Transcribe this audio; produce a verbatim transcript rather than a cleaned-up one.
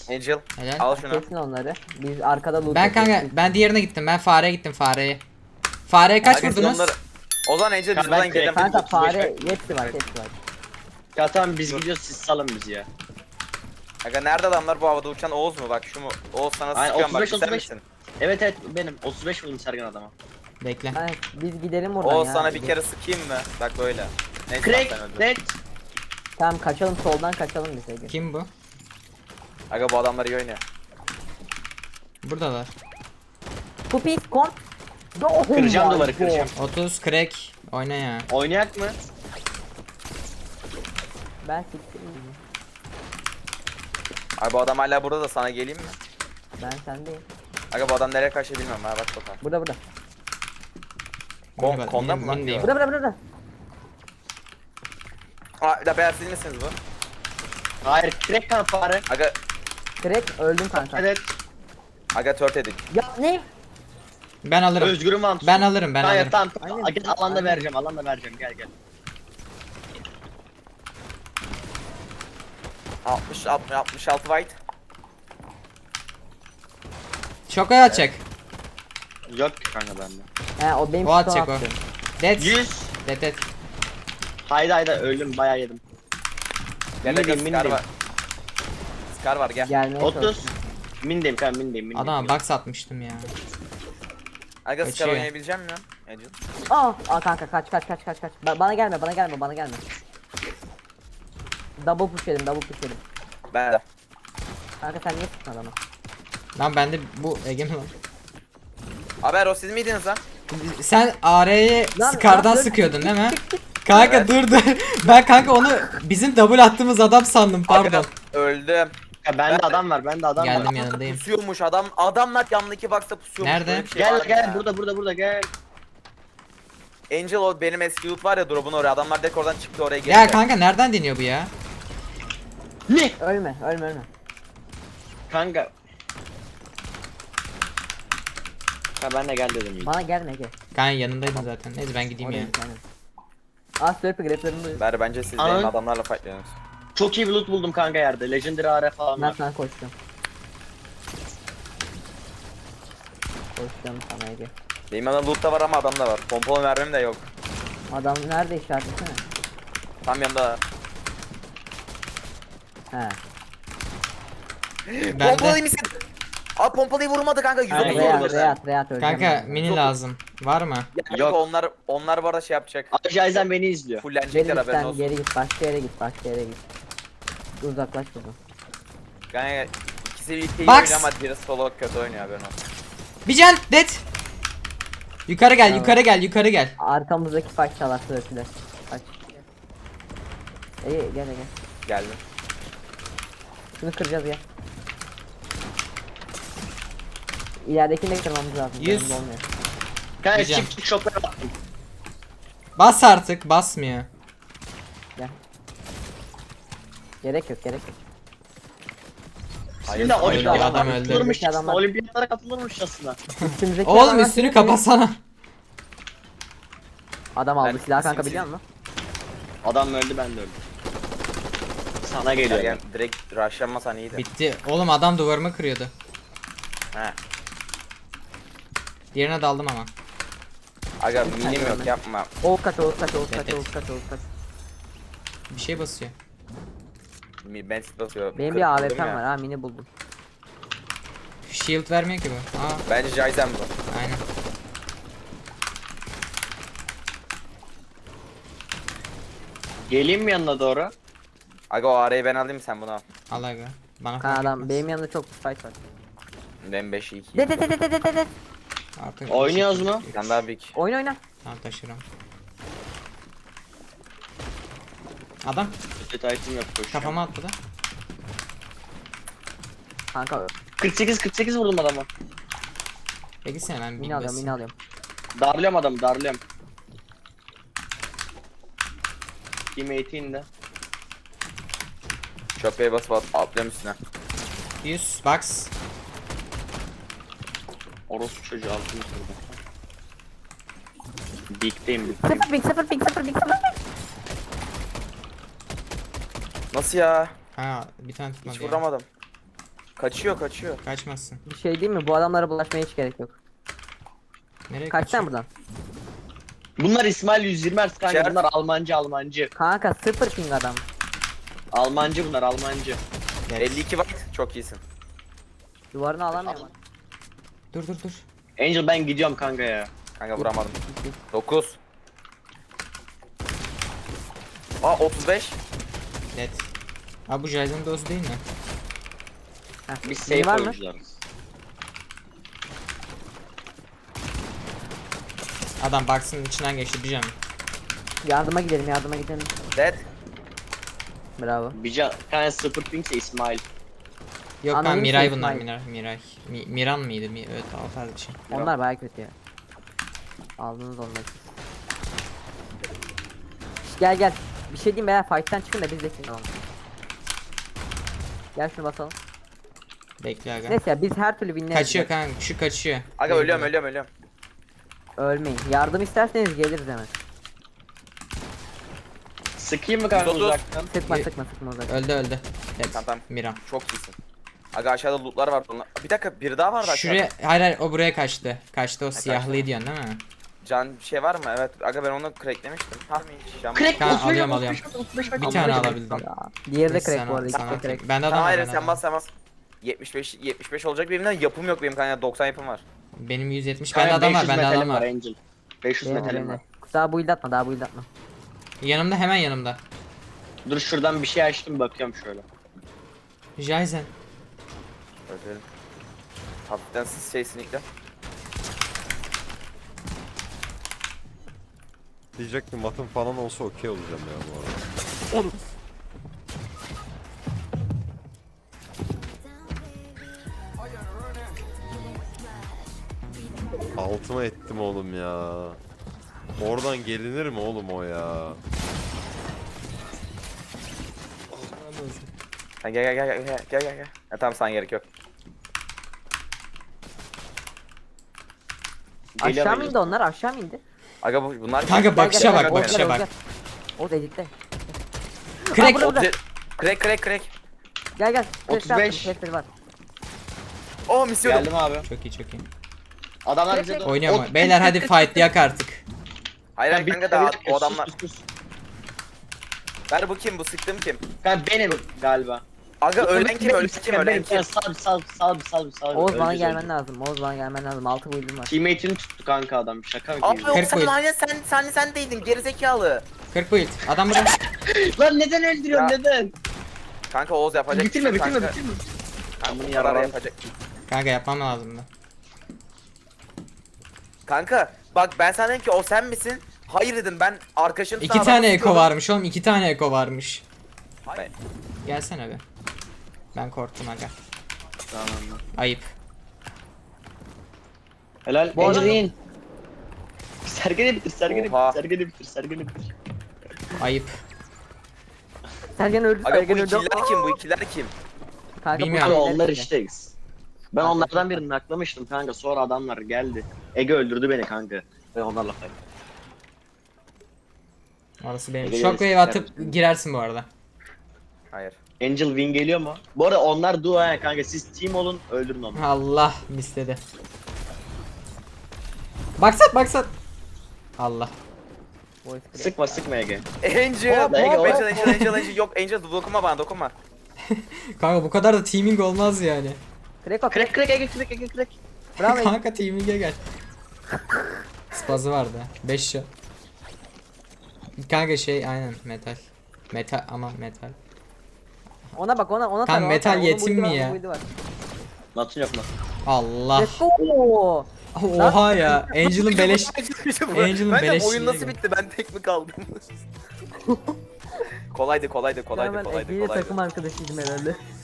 Angel Helal. al şunu. Kesin onları. Biz arkada loot Ben kanka yapıyoruz. ben diğerine gittim. Ben fareye gittim fareye. Fareye kaç Aga, siz vurdunuz? onları- O zaman Angel biz Ben buradan direkt- gidelim. Kanka otuz beş fare dakika. hepsi var hepsi var. Ya tamam biz gidiyoruz siz salın bizi ya. Aga nerede adamlar bu havada uçan Oğuz mu? Bak şu mu? Oğuz sana Aynen, sıkıyorum bak otuz beş, sen otuz beş. misin? Evet evet benim otuz beş vurdum Sergen adama. Bekle. Ha, biz gidelim buradan Oğuz ya. sana bir kere sıkayım mı? Bak böyle. Neyse Crack sen öldün. dead. Tamam kaçalım soldan kaçalım biz Ege. Kim bu? Aga bu adamlar iyi oynuyor. Buradalar. Pupis kom. Oh Kıracağım my duvarı, God. kıracağım. otuz crack. Oyna ya. Oynayak mı? Ben siktireyim. Aga bu adam hala burada da sana geleyim mi? Ben sendeyim. Aga bu adam nereye kaçtı bilmiyorum ha bak bakalım. Burada burada. Kon, Mini- konda mini- mı lan? minideyim. Burada burada burada. Aa bir de beyaz siz misiniz bu? Hayır crack kan fare. Aga, Crack öldüm kanka. Evet. aga tört edik. Ya ne? Ben alırım. Özgür'ün van. Ben alırım ben Hayır alırım. tamam. Aynen. Gel alanda Aynen. vereceğim alanda vereceğim gel gel. altmış altmış altmış altı white. Şoka atacak. Yok ki kanka bende. He o benim O atacak son o. attığım. Dead. yüz. Dead dead. Haydi haydi öldüm bayağı yedim. Gel aga Mindeyim, Scar mindeyim. var. Scar var gel. Gelmeye otuz. çalıştım. Mindeyim kanka mindeyim mindeyim. Adama box atmıştım ya. Aga Scar Kaçıyor. oynayabileceğim mi? Angel. Aa, aa kanka kaç kaç kaç kaç kaç. Ba- bana gelme bana gelme bana gelme. Double push yedim double push yedim. Ben de. Kanka sen niye tuttun adamı? Lan bende bu Ege mi lan? Haber o siz miydiniz lan? Sen A R'ye Lan, Scar'dan lan, dur. sıkıyordun değil mi? Kanka Evet. dur dur. Ben kanka onu bizim double attığımız adam sandım pardon. Aga, öldüm. Ya bende adam var bende adam Geldim var. yanındayım. Pusuyormuş adam. Adamlar yanındaki box'ta pusuyormuş. Nerede? Böyle bir şey Gel var mı gel ya? burada burada burada gel. Angel o benim eski loot var ya drop'un oraya. Adamlar direkt oradan çıktı oraya geldi. Ya kanka nereden deniyor bu ya? Ne? Ölme ölme ölme. Kanka. Ha ben de gel dedim iyi. Bana gelme Ege. Kanka yanındaydın zaten. Neyse ben gideyim Oraya ya. git aynen. Aa slurpee greplerini duyuyor. Ber bence siz Aa. benim adamlarla fightlıyorsunuz. Çok iyi bir loot buldum kanka yerde. Legendary A R falan Ben var. sana koştum. Koştum sana Ege. Benim adam loot da var ama adam da var. Pompalı mermim de yok. Adam nerede işaretlesene? Tam yanında. He. Ben Pompalı de. misin? Abi pompalıyı vurmadı kanka. yüz otuz Aynen, Reyat vurdu. Reyat Reyat öleceğim. Kanka ben. mini lazım. Var mı? Ya kanka Yok. onlar onlar bu arada şey yapacak. Ajayzen beni izliyor. Geri Fullenecekler git haberin sen olsun. geri git başka yere git başka yere git. Uzaklaş buradan. Kanka ikisi birlikte iyi Box. oynuyor ama biri solo kötü oynuyor haberin olsun. Bir can dead. Yukarı gel Tamam. yukarı gel yukarı gel. Arkamızdaki fight çalar slurpee'ler. Kaç. İyi gel gel. Geldim. Şunu kıracağız ya. İleridekini de kırmamız lazım. Yüz. yanımda olmuyor. Kanka Diyeceğim. çift çift şoklara attım. Bas artık basmıyor. Gel. Gerek yok gerek yok. Hayır, Şimdi hayır, olimpiyatlara adam öldü. katılırmış Adamlar- aslında. Olimpiyatlara katılırmış aslında. Üstümüzdeki Oğlum adamlar- üstünü kapatsana. Adam aldı Ben- silah kanka Sim- biliyor musun? Adam öldü ben de öldüm. Sana geliyor. Yani direkt rushlanmasan iyiydi. Bitti. Oğlum adam duvarımı kırıyordu. He. Diğerine daldım ama. Aga minim yok yapma. Oğuz kaç Oğuz kaç Oğuz kaç Evet. Oğuz kaç Oğuz kaç. Bir şey basıyor. Mi- Ben basıyor. Benim Kırk bir vurdum A W P'm ya. var ha mini buldum. Shield vermiyor ki bu. Aa Bence Jaizen bu. aynen. Geleyim mi yanına doğru? Aga o arayı ben alayım sen bunu al. Al aga. Bana Kan fark adam etmez. benim yanımda çok fight var. Ben beş iki. De de de de de de de de. Artık Oynuyoruz mu? Bir tane daha büyük. Oyna oyna. Tamam taşırım. Adam Kötü item yok koşuyor. kafama attı da. Kanka kırk sekiz kırk sekiz vurdum adama. Peki sen ben bir mini alıyorum basayım. mini alıyorum. Darlıyorum adamı darlıyorum. Teammate'in de. Çöpeye basıp at, atlıyorum üstüne. yüz box. Orospu çocuğu altını kırdı. Big'deyim big'deyim. Sıfır ping sıfır ping sıfır ping sıfır ping. Nasıl ya? Ha bir tane tutmadı Hiç ya. vuramadım. Kaçıyor kaçıyor. Kaçmazsın. Bir şey değil mi? Bu adamlara bulaşmaya hiç gerek yok. Nereye Kaç kaçıyor? sen buradan? Bunlar İsmail yüz yirmi Hz kanka. İçeride- Bunlar Almancı Almancı. Kanka sıfır ping adam. Almancı bunlar Almancı. Evet. elli iki watt çok iyisin. Duvarını alamıyor ama. Dur dur dur. Angel ben gidiyorum kanka ya. Kanka vuramadım. dokuz. Aa otuz beş. Net. Abi bu Jaizen'in dozu değil mi? Heh, Biz biri safe var mı? oyuncularız. Adam box'ın içinden geçti bir can. Yardıma gidelim, yardıma gidelim. Dead. Bravo. Bir can, kanka sıfır ping ise İsmail. Yok lan Anonim Miray şey, bunlar İsmail. Miray. Miray. Mi- Miran mıydı? Mi evet o tarz bir şey. Onlar baya kötü ya. Aldınız onları. Şş, Gel gel. Bir şey diyeyim be, fight'tan çıkın da biz de şimdi alalım. Gel şunu basalım. Bekle aga. Neyse ya biz her türlü winleriz. Kaçıyor kanka şu kaçıyor. Aga ölüyorum ölüyorum ölüyorum. Ölmeyin. Yardım isterseniz geliriz hemen. Sıkayım mı kanka yüz otuz. uzaktan? Sıkma Ye- sıkma sıkma uzak. Öldü öldü. Evet. Tamam tamam. Miran. Çok iyisin. Aga aşağıda lootlar var. Onlar... Bir dakika biri daha vardı aşağıda. Şuraya hayır hayır o buraya kaçtı. Kaçtı o kaçtı. siyahlıyı diyorsun değil mi? Can bir şey var mı? Evet. Aga ben onu cracklemiştim. Ha Can... Crack Tamam, otuz beş, alıyorum, otuz beş, alıyorum. otuz beş, Bir otuz beş. tane alabildim. Ya. Diğeri de Neyse, crack sana- bu arada. sana İkisi de atayım. crack. Bende adam Tamam var. hayır bende sen adam bas var. sen bas. yetmiş beş yetmiş beş olacak benimden yapım yok benim kanka doksan yapım var. Benim yüz yetmiş. Kanka Bende adam var. beş yüz Bende metalim adam var. Angel. beş yüz Benim, metalim benim var. de. Daha build atma, daha build atma. Yanımda hemen yanımda. Dur şuradan bir şey açtım bakıyorum şöyle. Jaizen. Öyle. Hafiften siz şey sinikle. Diyecektim matım falan olsa okey olacağım ya bu arada. Altıma ettim oğlum ya. Oradan gelinir mi oğlum o ya? Ha, gel gel gel gel gel gel gel gel. Ha, tamam sana gerek yok. Geliyor Aşağı Angel. mı indi onlar? Aşağı mı indi? Aga bu bunlar Kanka bakışa Gel, gel, bak gel, bakışa Ozgar, bak. Ozgar. O da edikte. Crack. burada, burada. Obje... Crack crack crack. Gel gel. otuz Crack beş. yaptım, var. Oh misiyordum. Geldim abi. Çok iyi çok iyi. Adamlar bize doğru. Oynuyor mu? Ot- Beyler hadi fight yak artık. Hayır hayır bir- kanka bir daha dakika, o sus, adamlar. sus, sus. Ver bu kim bu sıktığım kim? Kanka benim galiba. Aga ölen kim ölen kim ölen kim? Sal bir sal bir sal bir sal bir sal bir. Oğuz bana Öleceğiz, gelmen öleceğiz. lazım. Oğuz bana gelmen lazım. Altı build'im var. Teammate'ini tuttu kanka adam. Şaka mı Abi gibi? o Kırk sen boyut. aynen sen sen sen değildin gerizekalı. kırk build. Adam burada. Lan neden öldürüyorsun Ya. neden? Kanka Oğuz yapacak. Bitirme bir şey yok bitirme kanka. bitirme. Kanka, Bunu bu kadar yaralan- yapacak. Kanka yapmam lazımdı. Kanka bak ben sana dedim ki o sen misin? Hayır dedim ben arkadaşım İki tane eko varmış oğlum. iki tane eko varmış. Hayır. Gelsene be. Ben korktum aga. Tamam lan. Ayıp. Helal. Bu arada- Angelin. Sergeni bitir, sergeni Oha. bitir, sergeni bitir, sergeni bitir. Ayıp. Sergen öldü. Aga bu Sergen öldü. ikiler kim bu ikiler kim? Kanka, bu Bilmiyorum. Abi şeyler onlar işte. işteyiz. Ben onlardan birini naklamıştım kanka. Sonra adamlar geldi. Ege öldürdü beni kanka. Ve onlarla fight. Orası benim. Ege Shockwave gerisi- atıp girersin bu arada. Hayır. Angel win geliyor mu? Bu arada onlar duo ha kanka. Siz team olun, öldürün onu. Allah misledi. Baksat baksat. Allah. Voice crack. Sıkma sıkma Ege. Angel. Hop, Ege, hop. Angel Angel Angel Angel yok Angel dokunma bana dokunma. Kanka bu kadar da teaming olmaz yani. Crack o crack. Crack crack Ege crack Ege crack. Bravo. Ege. Kanka teaming'e gel. Spazı vardı. beş shot. Kanka şey aynen metal. Metal ama metal. Ona bak ona ona Tam tar, ona metal tar. Onun yetim build'i mi var, ya? onun build'i var. Natun yok lan. Allah. Let's go. Oha ya. Angel'ın beleş. Angel'ın ben de beleşliğine oyun nasıl gel. bitti ben tek mi kaldım? kolaydı kolaydı kolaydı Hemen kolaydı Ege'yle kolaydı. takım arkadaşıydım herhalde.